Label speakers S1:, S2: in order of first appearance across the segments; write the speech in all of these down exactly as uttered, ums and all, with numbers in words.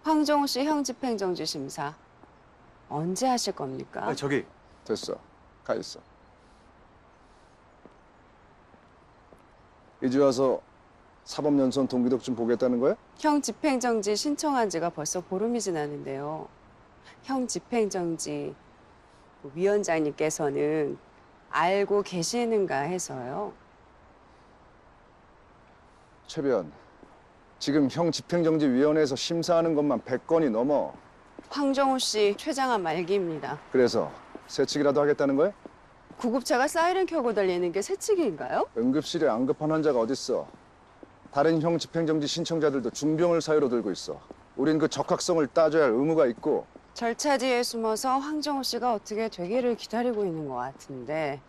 S1: 황정호 씨 형 집행정지 심사 언제 하실 겁니까?
S2: 아, 저기
S3: 됐어. 가 있어. 이제 와서 사법연수원 동기독 좀 보겠다는 거야?
S1: 형 집행정지 신청한 지가 벌써 보름이 지났는데요. 형 집행정지 위원장님께서는 알고 계시는가 해서요.
S3: 최변, 지금 형 집행정지위원회에서 심사하는 것만 백 건이 넘어.
S1: 황정호 씨 최장암 말기입니다.
S3: 그래서 세칙이라도 하겠다는 거야?
S1: 구급차가 사이렌 켜고 달리는 게 세칙인가요?
S3: 응급실에 안 급한 환자가 어딨어. 다른 형 집행정지 신청자들도 중병을 사유로 들고 있어. 우린 그 적합성을 따져야 할 의무가 있고.
S1: 절차지에 숨어서 황정호 씨가 어떻게 되기를 기다리고 있는 것 같은데.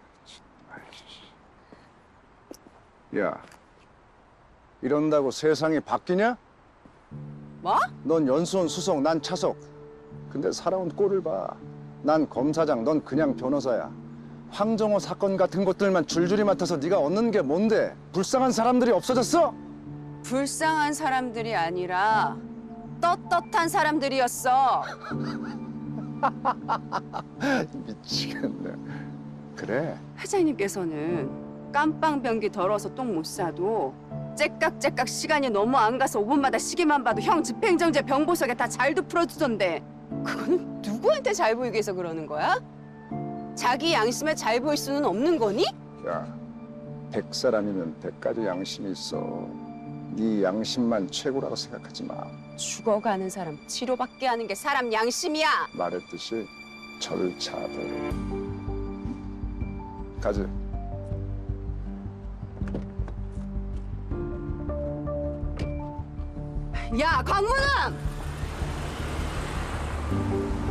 S3: 야, 이런다고 세상이 바뀌냐?
S1: 뭐?
S3: 넌 연수원 수석, 난 차석. 근데 살아온 꼴을 봐. 난 검사장, 넌 그냥 변호사야. 황정호 사건 같은 것들만 줄줄이 맡아서 네가 얻는 게 뭔데? 불쌍한 사람들이 없어졌어?
S1: 불쌍한 사람들이 아니라 떳떳한 사람들이었어.
S3: 미치겠네. 그래.
S1: 회장님께서는 깜빵 변기 더러워서 똥 못 싸도 째깍째깍 시간이 너무 안 가서 오 분마다 시계만 봐도 형 집행정지 병보석에 다 잘도 풀어주던데 그거는 누구한테 잘 보이기 위해서 그러는 거야? 자기 양심에 잘 보일 수는 없는 거니?
S3: 야, 백 사람이면 백 가지 양심이 있어. 네 양심만 최고라고 생각하지 마.
S1: 죽어가는 사람 치료받게 하는 게 사람 양심이야.
S3: 말했듯이 절차대로. 가지.
S1: 야, 광문아!